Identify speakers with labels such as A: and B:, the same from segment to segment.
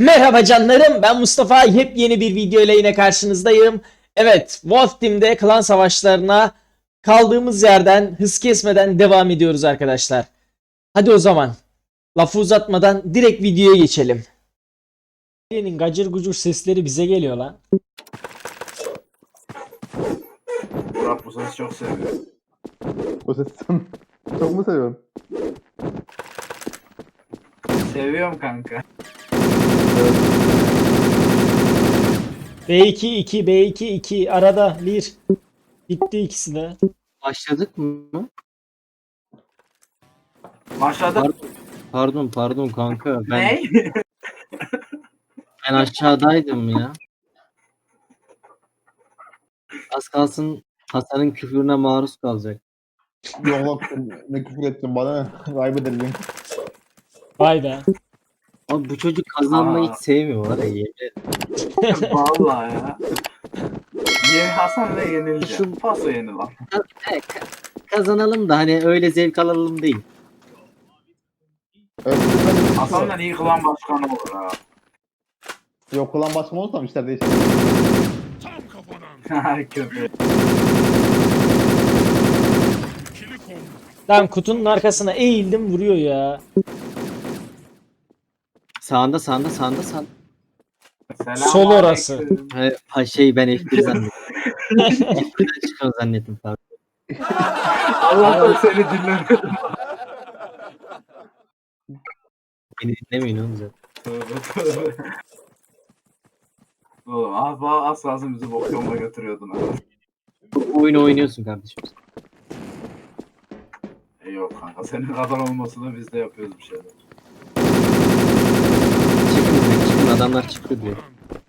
A: Merhaba canlarım, ben Mustafa. Yepyeni bir video ile yine karşınızdayım. Evet, Wolf Team'de klan savaşlarına kaldığımız yerden hız kesmeden devam ediyoruz arkadaşlar. Hadi o zaman lafı uzatmadan direkt videoya geçelim. Senin gacır gucur sesleri bize geliyor lan.
B: Burak bu sesi çok seviyor.
C: O sesi sen çok mu seviyorsun?
B: Seviyorum kanka.
A: B2 2 B2 2 arada 1 bitti ikisi de.
D: Başladık mı?
B: Başladı.
D: Pardon kanka. Ben,
B: Ne?
D: ben aşağıdaydım ya. Az kalsın Hasan'ın küfrüne maruz kalacak.
C: Yok ne küfür ettim bana ne? Kaybederim.
A: Vay be.
D: Abi bu çocuk kazanmayı
B: Aa.
D: hiç sevmiyor var ya, yemin ederim.
B: Vallahi ya. Hasan ve yenileceğim.
D: Şu-
B: Paso yenilen.
D: Kazanalım da hani öyle zevk alalım değil.
B: Hasan'dan iyi kılan başkanı olur ha.
C: Yok ulan başım olursam işler değişir.
B: Kötü.
A: Lan kutunun arkasına eğildim vuruyor ya.
D: Sağında.
B: Selam
A: Sol orası.
B: aleyküm.
D: Ben F1 zannettim. F1'den çıkan zannettim pardon.
B: Allah'tan seni dinlemedim.
D: Beni dinlemeyin oğlum zaten.
B: Tövbe. Oğlum az kalsın bizi bok yoluna götürüyordun ha.
D: Bu oyunu oynuyorsun kardeşim.
B: Yok kanka senin kadar olmasını biz de yapıyoruz bir şeyler.
D: Çıkın adamlar çıktı diyor.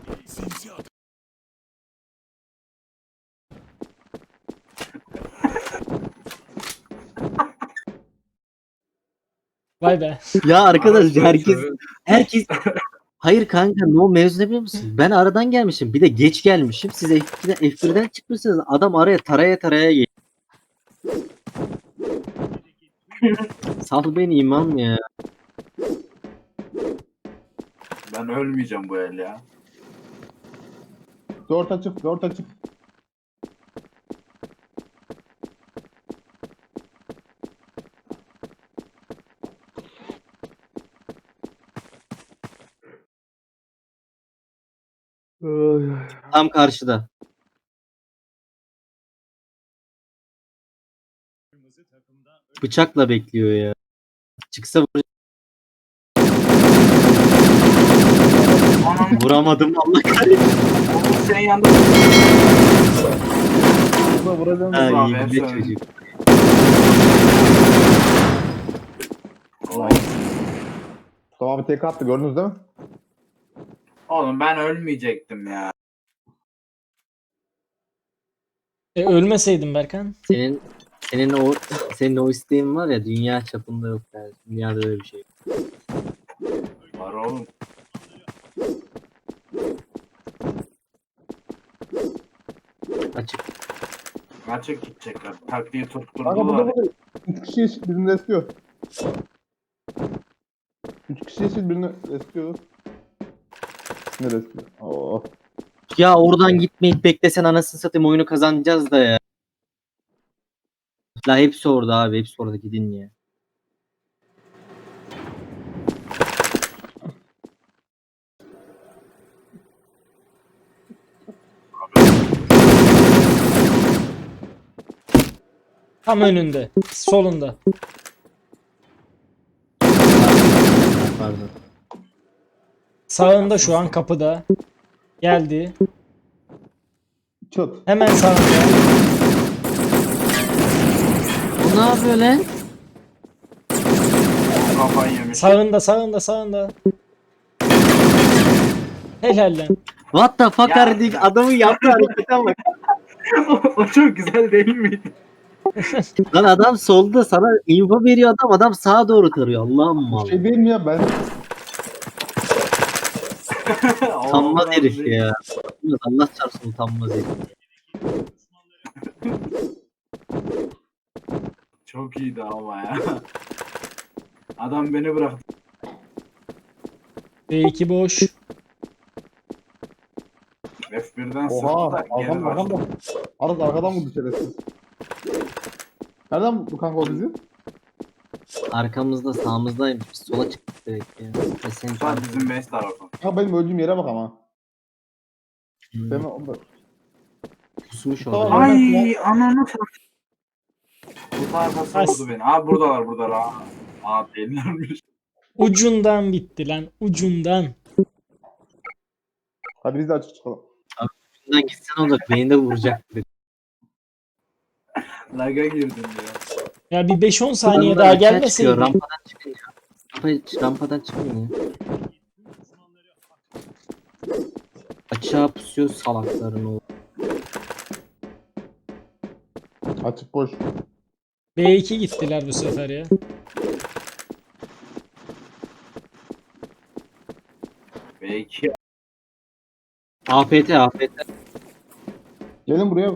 A: Vay be.
D: Ya arkadaş
B: Şöyle-
D: herkes hayır kanka no mevzu ne biliyor musun? Ben aradan gelmişim. Bir de geç gelmişim. Siz F1'den çıkmışsınız. Adam araya taraya geliyor. Sal beni imam ya.
B: Ben ölmeyeceğim bu el ya.
C: Dört açık.
D: Tam karşıda. Bıçakla bekliyor ya. Çıksa
B: Anam
D: vuramadım Allah kahretsin.
B: sen yandı.
C: Burada vuracağım.
D: Ha,
B: Abi,
D: iyi
B: hep
D: bir de
B: söyle.
D: çocuk.
C: Tamam bir tek attı gördünüz değil mi?
B: Oğlum ben ölmeyecektim ya.
A: Ölmeseydim Berkan.
D: Senin o isteğin var ya, dünya çapında yok yani. Dünyada öyle bir şey yok.
B: Var oğlum.
D: Açık.
B: Açık gidecekler. Taktiği
C: Kanka
B: tutturdular.
C: burada. 3 kişi eşit birini eskiyor. 3 kişi eşit birini eskiyor. Ne eskiyor? Oo.
D: Ya oradan gitmeyip beklesen anasını satayım, oyunu kazanacağız da ya. La hepsi orada abi, hepsi orada, gidin ya.
A: Tam önünde. Solunda.
D: Pardon.
A: Sağında şu an kapıda. Geldi.
C: Çıt.
A: Hemen sağında.
D: Bu ne yapıyor lan?
B: Kafayı yemiş.
A: Sağında. Helal lan.
D: What the fuck
B: Ya.
D: are you- adamın yaptığı harekete bak.
B: O çok güzel değil miydi?
D: Lan adam solda sana info veriyor, adam sağa doğru tarıyor. Allah'ım
C: Bu
D: mal.
C: şey değil mi ya ben?
D: Utanmaz herif ya. Allah çarpsın, utanmaz herif.
B: Çok iyiydi ama ya. Adam beni bıraktı.
A: B2 boş.
B: Birden
C: Oha
B: sıktı da geri
C: arkam
B: başladı.
C: Aras arkadan vurdu şerefsiz. Nereden bu kanka o bizi?
D: Arkamızda sağımızdaymış. Biz sola çıktık direkt ya. Ve sen
B: Şu an bizim base tarafı.
C: Ha benim öldüğüm yere bak ama.
D: Hmm,
C: Ben orada.
D: pusmuş
C: Tamam.
D: orada.
B: Ay ananı satayım. Bu tarafa
A: As-
B: vurdu beni. Aa buradalar. Aa delilermiş.
A: Ucundan bitti lan. Ucundan.
C: Hadi biz de açık çıkalım.
D: Bundan gitsen olacak. Beni de vuracak.
B: Lag'a girdim ya.
A: Ya bir 5-10 saniye
D: Bunlar
A: daha
D: açığa
A: gelmeseydi.
D: çıkıyor, Rampadan çıkın ya. Rampadan çıkın ya. Açığa pusuyor salakların o.
C: Açık boş.
A: B2 gittiler bu sefer ya.
B: Belki.
D: AFT.
C: Gelin buraya.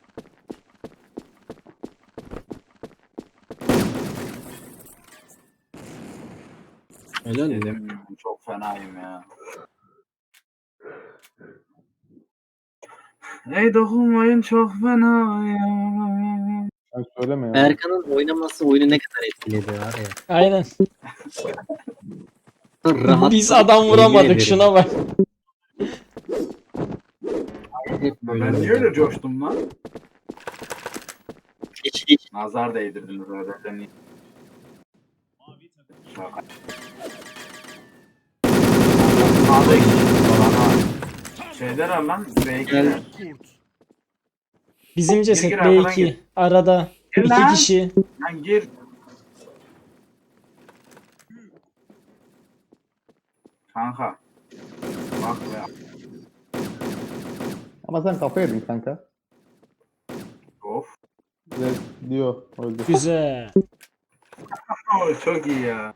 D: Helal mi?
B: Dedim çok fenayım ya. Ey dokunmayın çok fena ya.
C: Sen söyleme ya.
D: Berkan'ın oynaması oyunu ne kadar etkiledi var ya.
A: Aynen.
D: Rahat.
A: Biz adam
D: Yemin
A: vuramadık
D: ederim.
A: şuna bak.
D: Hep böyle
B: Ben niye
D: oynadı.
B: öyle coştum lan?
D: Geç.
B: Nazar değdirdiniz öyle. Seni. Şaka. Sağda iki falan var. Şeyler lan
D: Gel.
B: B2'ler.
A: Bizim ceset
B: Gir, arkadan
A: B2.
B: gir.
A: Arada.
B: Gir
A: 2
B: lan.
A: kişi.
B: Lan gir. Kanka. Bak ya.
C: Ama sen kafa yedin kanka.
B: Of.
C: Evet, diyor. Öldü.
A: Güzel.
B: Oy, çok iyi ya.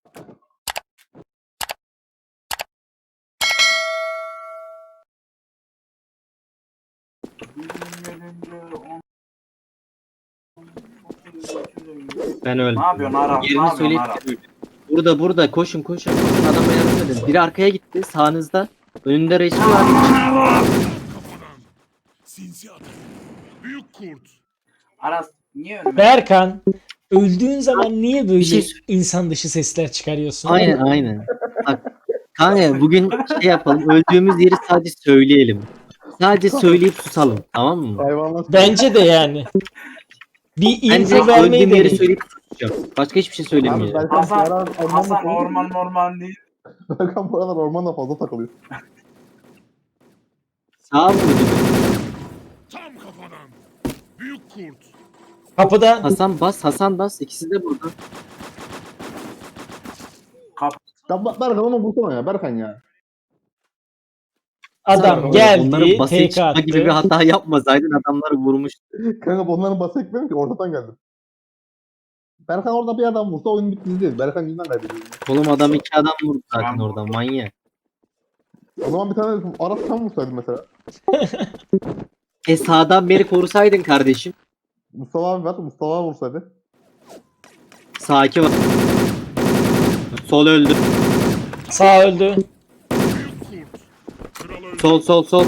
D: Ben öldüm.
B: Ne yapıyorsun Aras? Ne
D: Yerini
B: yapıyorsun
D: söyleyip
B: Aras?
D: burada koşun. Adama yardım edin. Biri arkaya gitti sağınızda. Önünde resmi var.
E: Kafadan. Sinsi atak. Büyük kurt.
B: Aras niye önüme?
A: Berkan. Öldüğün zaman niye böyle
D: Bir şey söyle-
A: insan dışı sesler çıkarıyorsun?
D: Aynen. Bak kanka bugün şey yapalım. Öldüğümüz yeri sadece söyleyelim. Sadece söyleyip susalım. Tamam mı?
C: Hayvanlar.
A: Bence de yani. Bir
D: Ben
A: info
D: direkt
A: vermeyi
D: öldüğüm yeri
A: deneyin.
D: söyleyip susacağım. Başka hiçbir şey
C: Abi
D: söylemeyeceğim.
C: Berkan,
B: Hasan,
C: bu aralar ormanla
B: Hasan
C: takılıyor.
B: orman değil.
C: Berkan bu aralar ormanla fazla takılıyor.
D: Sağ vurdu.
E: Tam kafadan. Büyük kurt.
A: Kapıda.
D: Hasan bas. İkisi de burada.
C: Ya Berkan onu bulsana ya Berkan ya.
A: Adam
C: Onların
A: geldi.
D: Onların basit
A: TK
D: çıkma gibi bir
A: attı.
D: hata yapmasaydın adamları vurmuş.
C: Kanka onların bası ekmedim ki ortadan geldim. Berkan orada bir adam vursa oyun bitti değil. Berkan yüzünden kaybediyor.
D: Oğlum adam 2 adam vurdu zaten
B: Ben-
D: orada manyak.
C: O zaman bir tane Aras sen vursaydın mesela.
D: Sağdan beri korusaydın kardeşim.
C: Mustafa abi var. Mustafa abi vursaydı.
D: Sağ 2 var. Sol öldü.
A: Sağ öldü.
E: Büyük kurt. Kral öldü.
D: Sol.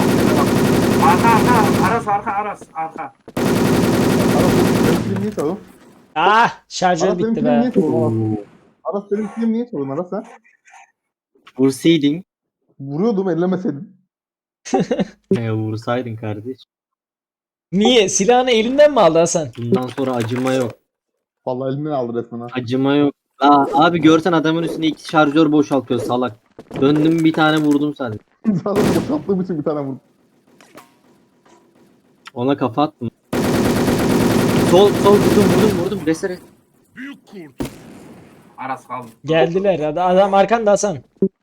B: Arka arka.
C: Benim film niye çalıyor?
A: Ah, şarjör
C: Aras benim
A: bitti
C: film
A: be.
C: niye çalıyor? Aras benim film niye çalıyor Aras sen?
D: Vursaydın.
C: Vuruyordum ellemeseydin.
D: Vursaydın kardeş.
A: Niye? Silahını elinden mi aldı Hasan?
D: Bundan sonra acıma yok.
C: Vallahi elimden aldı resmen ha.
D: Acıma yok. Abi görsen adamın üstüne 2 şarjör boşaltıyor salak. Döndüm bir tane vurdum sadece.
C: Zaten boşalttığım için bir tane vurdum.
D: Ona kafa attım. Sol vurdum. Resere.
E: Büyük kurt.
B: Aras kaldı.
A: Geldiler. Adam arkanda Hasan.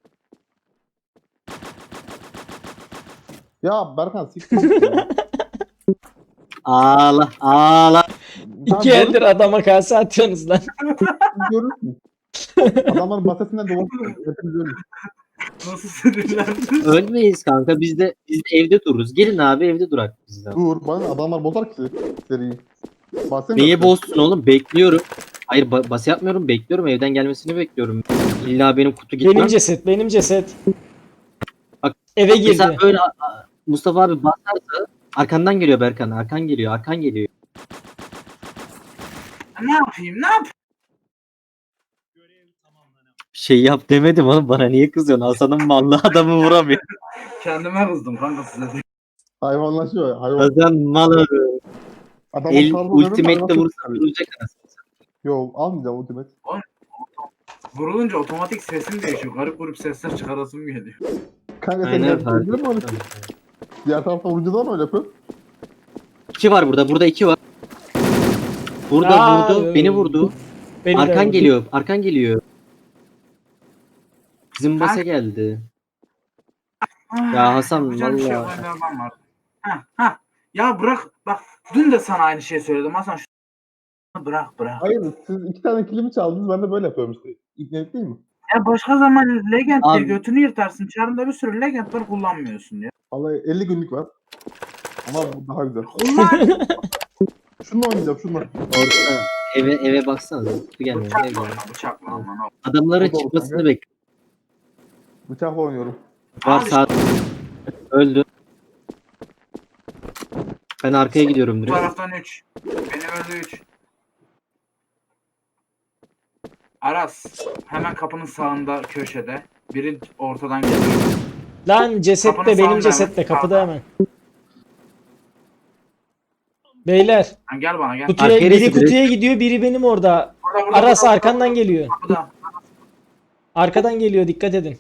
C: Ya Berkan siktir. ya.
D: Ağla.
C: Sen
A: İki eldir adama kase atıyorsunuz lan.
C: görürsün. Adamların basesinden dolaşıyor. Hepimiz görürüz.
B: Nasıl sinirlendin?
D: Ölmeyiz kanka biz de evde dururuz. Gelin abi evde durak biz de.
C: Dur bana adamlar bozar ki seriyi. Bahsediyorum.
D: Niye bozsun oğlum? Bekliyorum. Hayır bas yapmıyorum. Bekliyorum. Evden gelmesini bekliyorum. İlla benim kutu gitmem.
A: Benim ceset.
D: Bak,
A: Eve
D: Mesela
A: girdi.
D: böyle Mustafa abi basarsa arkandan geliyor Berkan. Arkan geliyor. Arkan geliyor.
B: Ne yapayım? Ne yapayım?
D: Şey yap demedim oğlum, bana niye kızıyorsun? Hasan'ın mallı adamı vuramıyor.
B: Kendime kızdım kanka size.
C: Hayvanlaşıyor ya. Hayvan.
D: Hasan malı.
C: Adamın
D: El
C: tarzı
D: ultimate'de
C: dedim,
D: vursa vuracak anasını.
C: Yok almayacağım ultimate.
B: Vurulunca otomatik sesim değişiyor. Garip grup sesler çıkarasım geliyor.
C: Kanka sen
D: Aynen
C: yapabilir
D: fark
C: mi öyle?
D: ettim.
C: Diğer tarafta vurunca da mı öyle yapıyor?
D: 2 var burada. Burada 2 var. Burada
A: Aa,
D: vurdu. Beni vurdu.
A: Beni de
D: Arkan
A: vurdu.
D: geliyor. Arkan geliyor. Bizim basa
B: Ha?
D: geldi. Ya Hasan,
B: Yapacağım bir şey yok.
D: vallahi.
B: Önde adam var. Ha. Ya bırak. Bak dün de sana aynı şeyi söyledim. Hasan bırak.
C: Hayır siz 2 tane kilimi çaldınız ben de böyle yapıyorum işte. İbnelik değil mi?
B: Ya başka zaman Legend diye
D: Abi-
B: götünü yırtarsın. Çarında bir sürü Legend var kullanmıyorsun ya.
C: Vallahi 50 günlük var. Ama bu daha güzel.
B: Kullan.
C: Şununla oynayacağım şununla.
D: Orada eve baksana. Kutu gelmiyor. Eve
B: Bıçakla
D: gelmiyor.
B: oyna. Bıçakla aman o.
D: Adamların
C: O da olur
D: çıkmasını
C: kanka.
D: bekle.
C: Bıçakla oynuyorum.
D: Var
B: Abi
D: sağ. Öldü. Ben arkaya gidiyorum
B: Bu
D: direkt.
B: taraftan 3. Benim öldü 3. Aras. Hemen kapının sağında köşede. Biri ortadan geliyor.
A: Lan ceset
B: Kapının
A: de benim
B: sağında
A: ceset de
B: hemen.
A: kapıda hemen. Beyler
B: Ha, gel bana gel.
A: kutuya,
D: Arkaya
A: biri
D: direkt-
A: kutuya gidiyor, biri benim orada.
B: Burada,
A: Aras
B: burada,
A: arkandan
B: burada,
A: geliyor.
B: Kapıda.
A: Arkadan geliyor, dikkat edin.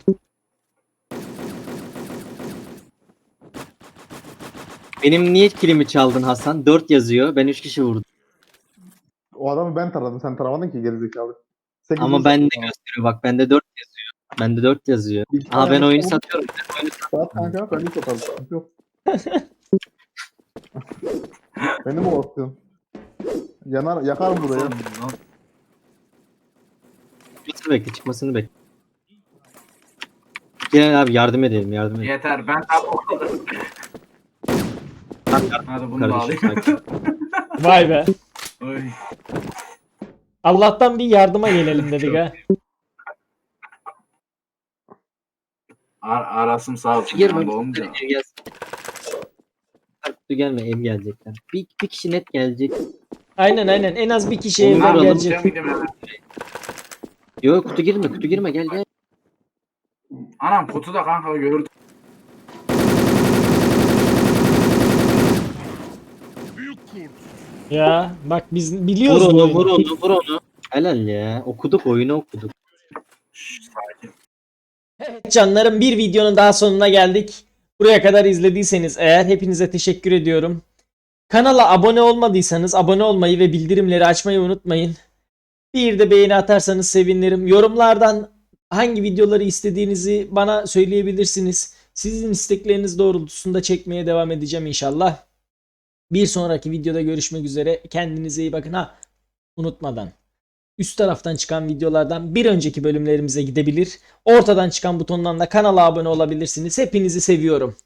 D: Benim niye kilimi çaldın Hasan? 4 yazıyor. Ben 3 kişi vurdum.
C: O adamı ben taradım. Sen taramadın ki gerizekalı. 8.
D: Ama bende gösteriyor. Bak bende 4 yazıyor. Bende 4 yazıyor. Aha ben oyunu satıyorum.
C: Saat kanka ben hiç atarım. Sıkıntı yok. Beni mi korkutuyorsun? Yakarım burayı.
D: Çıkmasını bekle. Çıkmasını bekle. Gel abi yardım edelim. Yardım edelim.
B: Yeter ben Hadi bunu da
D: Kardeşim
B: alayım.
D: sakin.
A: Vay be.
B: Oy.
A: Allah'tan bir yardıma gelelim dedik ha.
B: Arasım sağ olsun.
D: Girme.
B: yanında olunca.
D: Kutu gelsin. Kutu gelme. Ev gelecekler. Bir kişi net gelecek.
A: Aynen en az bir kişi
D: Onu
A: evden
D: vuralım.
A: gelecek.
B: Ben gideyim hemen.
D: Yok kutu girme. Kutu girme. Gel gel.
B: Anam kutuda kanka gördüm.
E: Büyük kurt.
A: Ya bak biz
D: Vur
A: biliyoruz bu
D: onu.
A: oyunu.
D: Vur onu. Vur onu. Helal ya. Okuduk oyunu okuduk.
B: Şşş, sakin.
A: Evet canlarım, bir videonun daha sonuna geldik. Buraya kadar izlediyseniz eğer hepinize teşekkür ediyorum. Kanala abone olmadıysanız abone olmayı ve bildirimleri açmayı unutmayın. Bir de beğeni atarsanız sevinirim. Yorumlardan hangi videoları istediğinizi bana söyleyebilirsiniz. Sizin istekleriniz doğrultusunda çekmeye devam edeceğim inşallah. Bir sonraki videoda görüşmek üzere. Kendinize iyi bakın. Ha, unutmadan. Üst taraftan çıkan videolardan bir önceki bölümlerimize gidebilir. Ortadan çıkan butondan da kanala abone olabilirsiniz. Hepinizi seviyorum.